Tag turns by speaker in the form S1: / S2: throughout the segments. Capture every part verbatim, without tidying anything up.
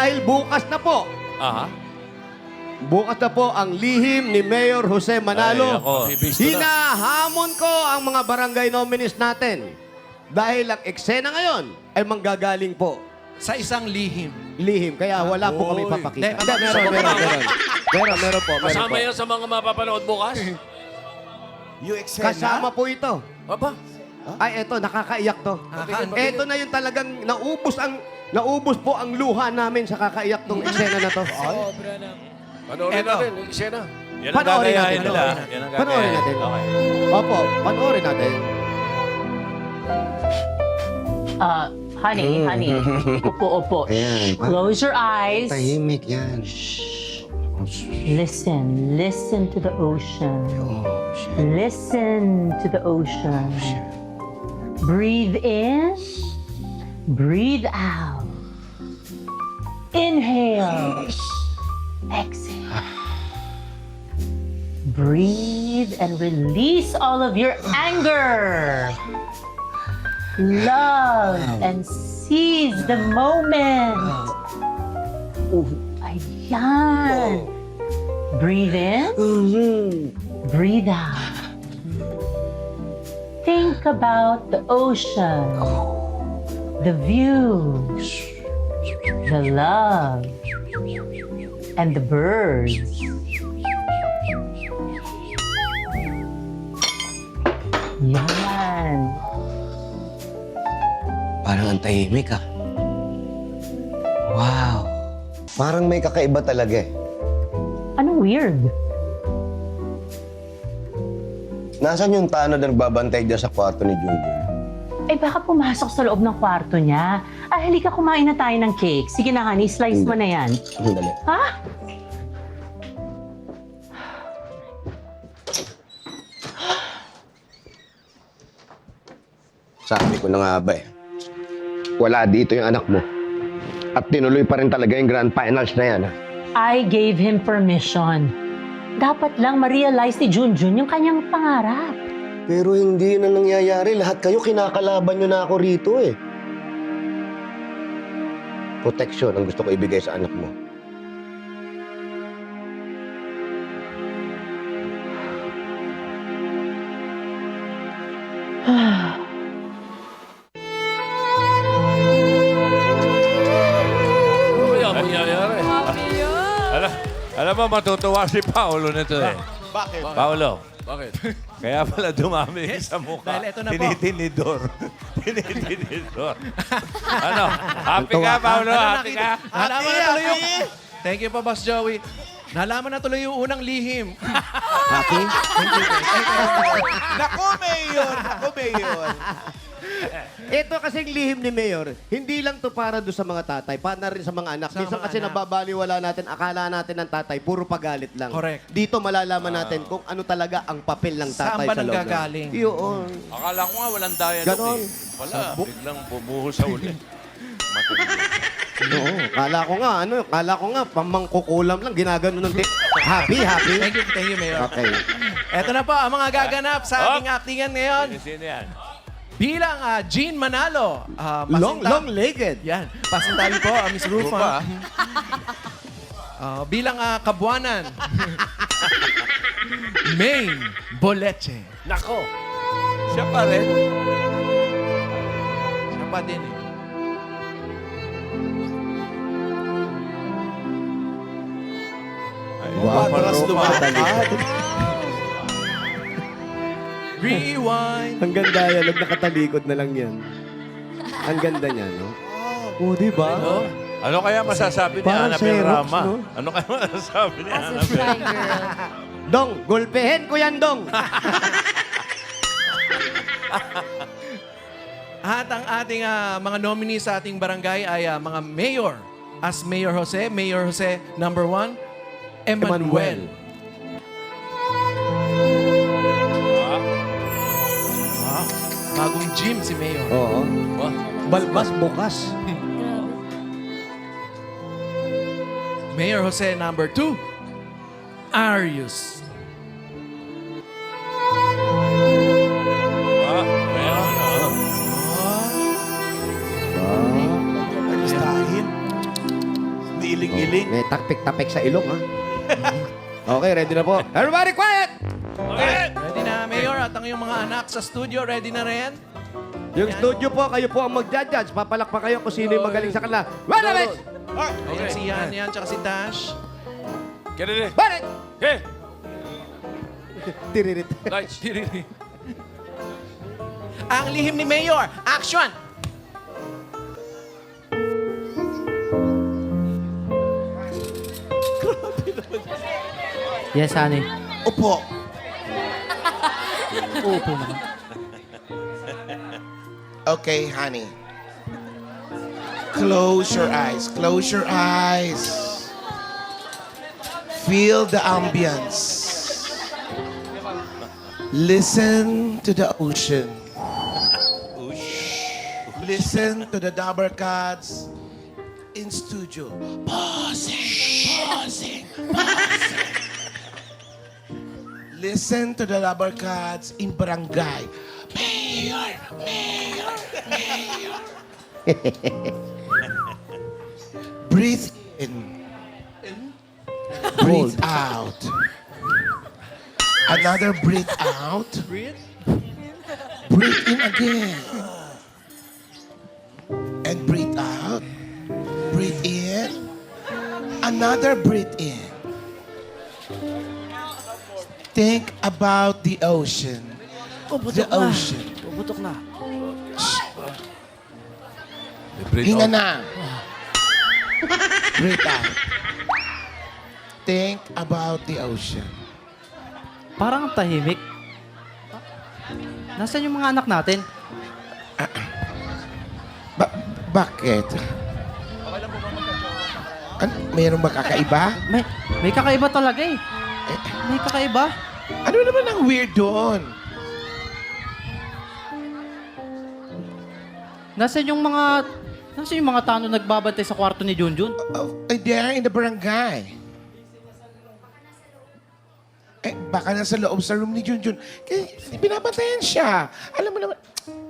S1: dahil bukas na po.
S2: Aha.
S1: Bukas na po ang lihim ni Mayor Jose Manalo.
S2: Ay, ako.
S1: Hinahamon ko ang mga barangay nominees natin. Dahil ang eksena ngayon ay manggagaling po
S3: Sa isang lihim.
S1: lihim. Kaya wala po kami
S2: Oy.
S1: papakita.
S3: Hindi,
S1: Hindi, meron, meron, meron. Meron, meron po. Meron
S2: Kasama
S1: po.
S2: yan sa mga mapapanood bukas?
S4: Yung eksena?
S1: Kasama po ito.
S2: Aba.
S1: Ay, eto, nakakaiyak to.
S3: Nakaka-
S1: Eto na yung talagang naubos ang naubos po ang luha namin sa kakaiyak tong eksena na to.
S2: Panoorin
S3: Eto.
S2: natin yung eksena. Yan
S1: ang Panoorin gagayahin natin.
S2: nila.
S3: Panoorin natin.
S2: Yan ang
S1: Panoorin natin.
S2: Okay.
S1: Opo, panoorin natin.
S5: Uh, honey, honey. Opo, opo.
S6: Ayan.
S5: Close your eyes.
S6: Tahimik yan.
S5: Listen. Listen to the ocean.
S6: Oh, shit.
S5: Listen to the ocean. Breathe in. Breathe out. Inhale. Exhale. Breathe and release all of your anger. Love and seize the moment. Ayan. Breathe in. Breathe out. Think about the ocean, the views, the love, and the birds. Yan.
S6: Parang ang tahimik ah. Wow. Parang may kakaiba talaga eh.
S5: Ano weird?
S6: Nasaan yung tanod na nagbabantay dyan sa kwarto ni Junjun?
S5: Eh baka pumasok sa loob ng kwarto niya. Ah, halika kumain na tayo ng cake. Sige na, honey, slice mo na yan.
S6: Sandali.
S5: Ha?
S6: Sabi ko na nga ba eh. Wala dito yung anak mo. At tinuloy pa rin talaga yung grand finals na yan ah.
S5: I gave him permission. Dapat lang ma-realize ni Junjun yung kanyang pangarap.
S6: Pero hindi na nangyayari. Lahat kayo kinakalaban nyo na ako rito eh. Protection ang gusto ko ibigay sa anak mo.
S2: Ano kaya mangyayari? Alam, alam mo, matutuwa si Paolo nito eh.
S4: Bakit?
S2: Paolo. Bakit? Kaya pala dumami sa mukha.
S3: Dahil ito na po.
S2: Tinitinidor. Tinitinidor. Ano? Happy ka, Paolo? Happy ka?
S3: Nalaman na tuloy yung... Thank you po, Boss Joey. Nalaman na tuloy yung unang lihim.
S1: Happy?
S4: Naku, Mayor! Naku, Mayor!
S1: Ito kasing lihim ni Mayor, hindi lang to para doon sa mga tatay, para rin sa mga anak.
S3: Sa
S1: Minsan
S3: mga
S1: kasi
S3: anak.
S1: nababaliwala natin, akala natin ng tatay, puro pagalit lang.
S3: Correct.
S1: Dito malalaman natin kung ano talaga ang papel ng
S3: Saan
S1: tatay
S3: ba
S1: sa loob.
S3: nanggagaling?
S1: Yun.
S2: Akala ko nga walang dialogue
S1: Ganon.
S2: eh. Wala, biglang bumuho sa uli.
S1: Oo. Kala ko nga, ano, kala ko nga, pamangkukulam lang, ginagano ng di- Happy, happy.
S3: Thank you, thank you, Mayor.
S1: Okay.
S3: Eto na po ang mga gaganap sa
S2: Oh.
S3: ating actingan ngayon.
S2: Sino yan?
S3: Bilang ah, Jean Manalo. ah,
S1: Long,
S3: pasinta-
S1: long-legged.
S3: Yan. Pasintabi po, ah, Miss Rufa.
S2: Rufa.
S3: Ah, bilang ah, Kabuanan. Maine Boleche.
S2: Nako. Siya pa rin.
S3: Siya pa din eh.
S1: Wow,
S4: Patras lumakad.
S3: Rewind.
S1: Ang ganda yan, huwag nakatalikod na lang yan. Ang ganda niya, no? Oo, di ba?
S2: Ano? Ano kaya masasabi ni
S1: Parang
S2: Annabel
S1: Xerox,
S2: Rama?
S1: no?
S2: Ano kaya masasabi ni Annabel?
S1: Dong, gulpehin ko yan, Dong.
S3: At ang ating ah, mga nominees sa ating barangay ay ah, mga mayor. As Mayor Jose, Mayor Jose number one, Emmanuel. Wow. Bagong gym si Mayor.
S1: Oo. Balbas bukas.
S3: Mayor Jose number two, Arius.
S2: Ah, meron, ah.
S4: Listahin. Hindi Hindi iling-iling.
S1: May takpik-tapik sa ilong, ha? Okay, ready na po. Everybody quiet!
S3: Ready na, Mayor? At ang iyong mga anak sa studio, ready na rin?
S1: Yung studio po, kayo po ang mag-judge. Papalakpak kayo kung sino yung magaling sa kanila. One of it!
S3: Ayan, si Yan yan, tsaka si Tash.
S2: Get it in.
S1: Balik!
S2: Okay.
S1: Tiririt.
S2: Lights.
S3: Ang lihim ni Mayor, action!
S7: Yes, honey.
S4: Upo.
S7: Uupo naman.
S4: Okay, honey. Close your eyes. Close your eyes. Feel the ambience. Listen to the ocean. Listen to the Dabber Cats in studio. Pausing, pausing, pausing. Listen to the Dabber Cats in barangay. Mayor, mayor, mayor. Breathe in. Breathe out. Another breathe out.
S3: Breathe.
S4: Breathe in again. And breathe out. Breathe in. Another breathe in. Think about the ocean. The ocean.
S7: Puputok na.
S4: Hinga na. Breathe out. Think about the ocean.
S7: Parang ang tahimik. Nasaan yung mga anak natin?
S4: Ba- bakit? An mayroon ba kakaiba?
S7: May, may kakaiba talaga eh. May kakaiba.
S4: Ano naman ang weird doon?
S7: Nasaan yung mga... Nasaan yung mga tanong nagbabantay sa kwarto ni Junjun?
S4: Oh, eh, there in the barangay. Eh, baka nasa loob sa room ni Junjun. Kaya binabantayan siya. Alam mo naman.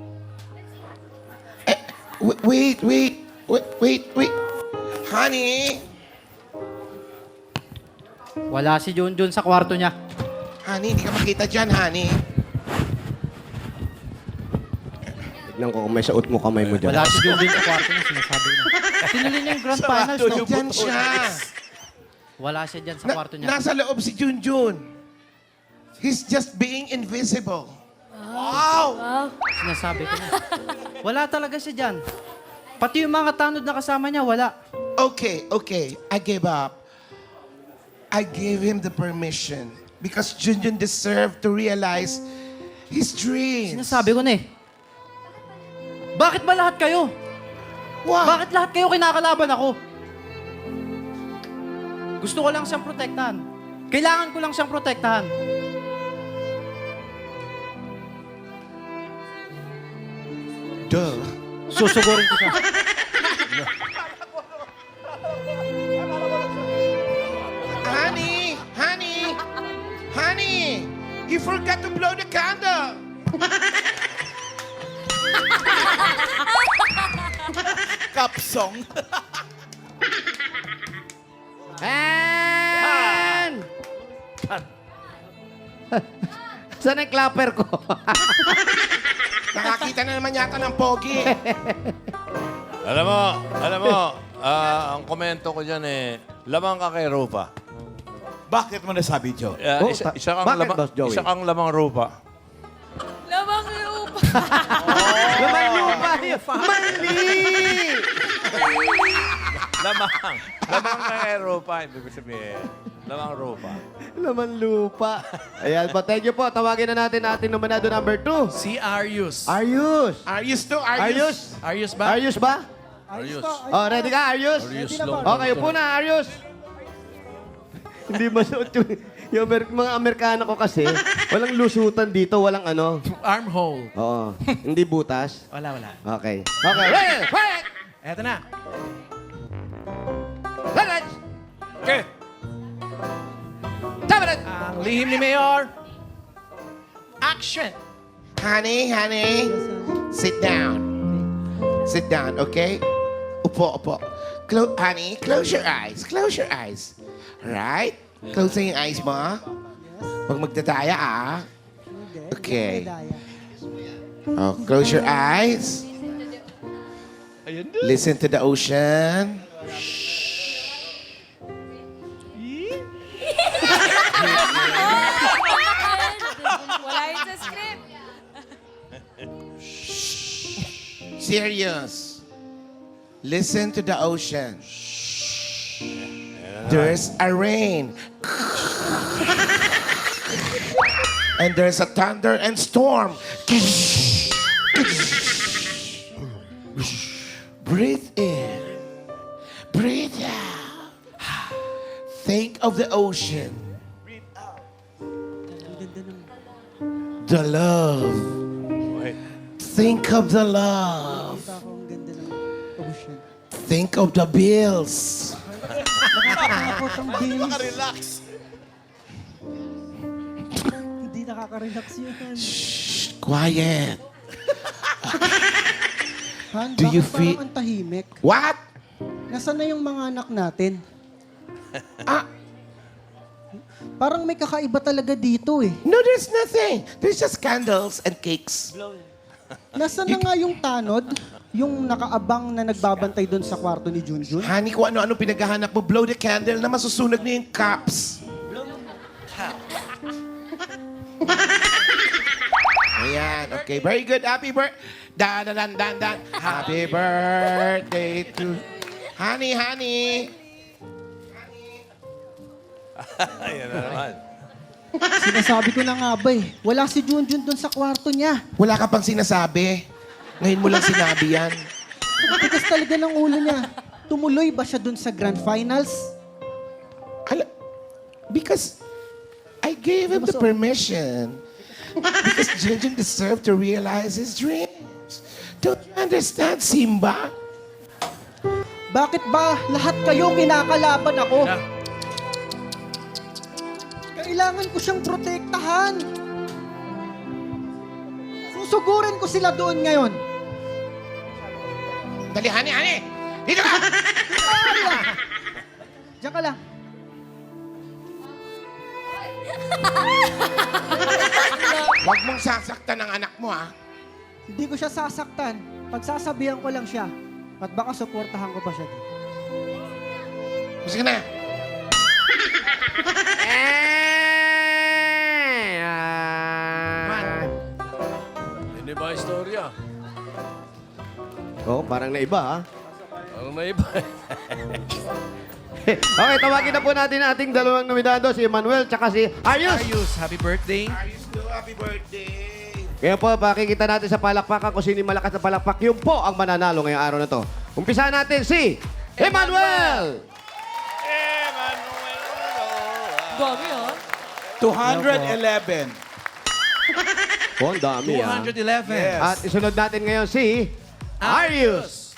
S4: Eh, w- wait, wait, wait, wait, wait. Honey,
S7: Wala si Junjun sa kwarto niya.
S4: honey, hindi ka makita dyan, honey.
S1: Tignan ko kung may saot mo kamay mo dyan.
S7: Wala si Junjun sa kwarto niya, sinasabi niya. Tinuli niya yung grand finals, no?
S4: Dyan siya.
S7: Wala siya dyan sa
S4: Na-
S7: kwarto niya.
S4: nasa loob si Junjun. He's just being invisible.
S7: Sinasabi ko na. Wala talaga siya dyan. Pati yung mga tanod na kasama niya, wala.
S4: Okay, okay. I gave up. I gave him the permission because Junjun deserved to realize his dreams.
S7: Sinasabi ko na eh. Bakit ba lahat kayo?
S4: What?
S7: Bakit lahat kayo kinakalaban ako? Gusto ko lang siyang protektahan. Kailangan ko lang siyang protektahan.
S4: Duh.
S7: Susugurin ko siya.
S4: Honey, honey, honey, you forgot to blow the candle. Kapsong.
S1: And... Saan ang clapper ko?
S4: Nakakita na naman yata ng pogi.
S2: Alam mo, alam mo, ah, ang komento ko dyan eh, lamang ka kay Rupa.
S4: Bakit mo nasabi, Joe?
S2: Ah,
S1: Oh,
S2: isa,
S1: ta-
S2: isa kang
S1: bakit,
S2: lamang,
S1: Boss Joey?
S2: isa kang lamang Rupa.
S8: Lamang lupa.
S1: Laman lupa yun. Mali!
S2: Lamang. Lamang ka kay Rupa, ibig sabihin. Lamang Rupa.
S1: Laman lupa. Ayan po, thank you po. Tawagin na natin ating nominado number two.
S3: Si Arius.
S1: Arius.
S4: Arius to,
S1: Arius.
S3: Arius ba?
S1: Arius ba?
S3: Arius.
S1: Oh, ready ka, Arius?
S3: Arius long.
S1: Okay, upo na, Arius. Hindi masuot yung, yung Amer- mga Amerikano ko kasi, walang lusutan dito, walang ano.
S3: Armhole.
S1: Oo. Hindi butas.
S3: Wala, wala.
S1: Okay. Okay, ready, quiet!
S3: Eto na.
S1: Let's
S2: Okay.
S1: Tabaran!
S3: Ang lihim ni Mayor. Action!
S4: Honey, honey, sit down. Sit down, okay? Upo, upo. Clo- honey, close your eyes. Close your eyes. Right? Close na yung eyes mo. Huwag magdadaya, ah. Okay. Oh, close your eyes. Listen to the ocean.
S8: Wala yun sa script.
S4: Serious. Listen to the ocean. There's a rain. And there's a thunder and storm. Breathe in. Breathe out. Think of the ocean. The love.
S2: Wait.
S4: Think of the love. Think of the bills.
S9: Nakaka-relax. Hindi nakaka-relax yun.
S4: Shh, quiet.
S9: Han,
S4: Do you
S9: bakit
S4: feel-
S9: parang ang tahimik?
S4: What?
S9: Nasaan na yung mga anak natin?
S4: Ah,
S9: Parang may kakaiba talaga dito eh.
S4: no, there's nothing. There's just candles and cakes.
S9: Nasaan na nga yung tanod? Yung nakaabang na nagbabantay doon sa kwarto ni Junjun?
S4: Honey, kung ano-ano pinaghahanap mo, blow the candle na masusunog na yung cups. Ayan, okay. Very good. Happy birthday. Dan, dan, dan, dan, dan. Happy birthday to... Honey, honey.
S2: Ayan na naman.
S9: Sinasabi ko na nga ba eh. Wala si Junjun doon sa kwarto niya.
S4: Wala ka pang sinasabi. Ngayon mo lang sinabi yan.
S9: Ang tigas talaga ng ulo niya. Tumuloy ba siya doon sa grand finals?
S4: Ala, because I gave him the permission. Because Junjun deserved to realize his dreams. Don't you understand, Simba?
S9: Bakit ba lahat kayo kinakalaban ako?
S3: Na,
S9: Kailangan ko siyang protektahan. Susugurin ko sila doon ngayon.
S4: Dali, honey, honey! Dito ka!
S9: Diyan ka lang.
S4: Huwag mong sasaktan ang anak mo, ha?
S9: Hindi ko siya sasaktan. Pagsasabihan ko lang siya. At baka suportahan ko pa siya dito.
S4: Sige na.
S2: Hindi ba istorya?
S1: Oh, parang naiba, ha?
S2: Parang may iba.
S1: Okay, tawagin na po natin ang ating dalawang nominado, si Emmanuel tsaka si Ayus.
S3: Ayus, happy birthday.
S4: Happy birthday.
S1: Kaya po, pakikita natin sa palakpakan kung sino yung malakas na palakpak. Yun po ang mananalo ngayong araw na to. Umpisa natin si Emmanuel!
S8: Dami ah.
S10: two eleven.
S1: Oh, ang dami,
S3: two
S1: ah.
S3: eleven.
S1: At isunod natin ngayon si Arius.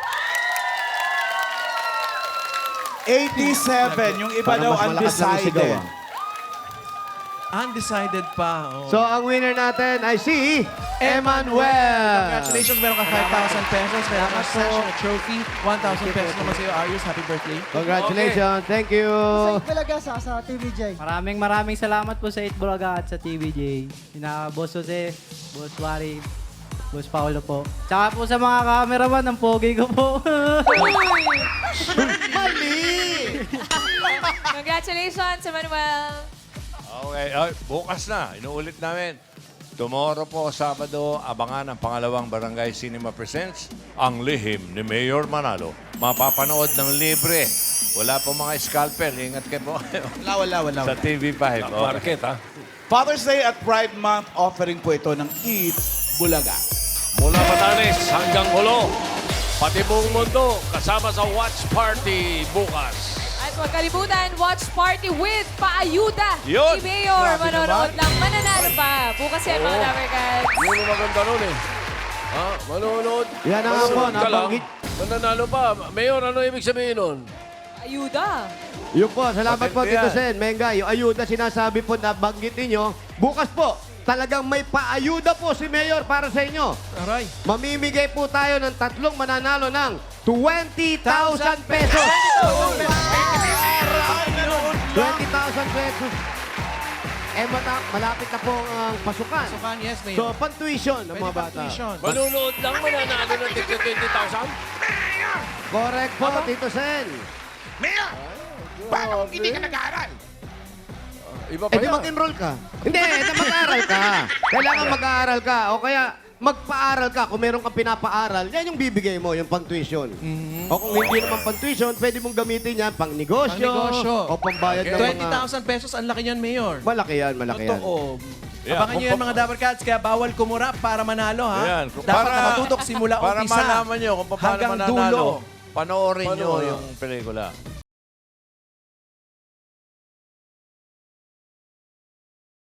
S10: eighty-seven. Yung iba
S1: Parang
S10: daw
S1: mas malakas lang yung sigaw,
S10: undecided.
S1: ah.
S3: Undecided pa. Oh.
S1: So, ang winner natin ay si Emmanuel.
S3: Congratulations, meron ka five thousand pesos. Meron ka cash na trophy. one thousand pesos naman sa'yo, Arius. Happy birthday.
S1: Congratulations. Thank you.
S9: Sa talaga sa, sa T V J.
S7: Maraming maraming salamat po sa eight Bulaga at sa T V J. Sina Boss Jose, Boss Wari, Boss Paolo po. Tsaka po sa mga cameraman, ang pogi ko po.
S8: Congratulations, Emmanuel.
S2: Okay, ay, bukas na. Inuulit namin. Tomorrow po, Sabado, abangan ang pangalawang Barangay Cinema Presents, Ang Lihim ni Mayor Manalo. Mapapanood ng libre. Wala po mga scalper. Ingat kayo po.
S10: Wala, wala, wala.
S2: Sa T V five.
S11: Market, ha?
S10: Father's Day at Pride Month offering po ito ng Eat Bulaga.
S11: Mula Batanes hanggang Hulo. Pati buong mundo, kasama sa watch party bukas.
S8: At huwag kalimutan, watch party with Paayuda.
S11: Yun.
S8: Si Mayor, manonood lang, mananalo pa. Bukas yan, mga Dabarkads.
S11: Yun ang maganda nun eh. Ha? Manonood.
S1: Yan na nga po,
S11: Manonood ka lang,
S1: nabanggit.
S11: mananalo pa. Mayor, ano ibig sabihin nun?
S8: Ayuda.
S1: Yun po, salamat po,
S2: Matindi
S1: Tito
S2: yan.
S1: Sen. Menga, yung ayuda sinasabi po na banggit ninyo. Bukas po, talagang may paayuda po si Mayor para sa inyo.
S3: Aray.
S1: Mamimigay po tayo ng tatlong mananalo ng twenty thousand pesos. twenty thousand pesos. Eh, mata- malapit na po ang pasukan.
S3: Pasukan, yes, Mayor.
S1: So, pan-tuition ng
S3: Pwede
S1: mga
S3: pang
S1: bata.
S3: tuition.
S11: Manunood lang mananalo ng twenty thousand?
S1: Correct po, Tito Sen.
S4: Mayor! Paano kung hindi ka nag-aaral?
S11: Iba pa
S1: Eh, di
S11: yan.
S1: mag-enroll ka. Hindi, eh, di mag-aaral ka. Kailangan mag-aaral ka. O kaya, magpa-aral ka. Kung meron kang pinapa-aral, yan yung bibigay mo, yung pang-tuition. O kung hindi naman pang-tuition, pwede mong gamitin yan pang-negosyo.
S3: Pang-negosyo.
S1: O pambayad ng
S3: twenty
S1: mga...
S3: thousand pesos, ang laki niyan, Mayor.
S1: Malaki yan, malaki yan.
S3: Totoo.
S11: Yeah,
S3: Abangan nyo
S11: kung
S3: yan mga Dapper Cats, kaya bawal kumura para manalo, ha?
S2: Ayan.
S3: Dapat nakatutok simula
S2: para
S3: umpisa
S2: malaman nyo kung paano
S3: hanggang
S2: mananalo,
S3: dulo.
S2: panoorin nyo
S11: Panoorin.
S2: yung pelikula.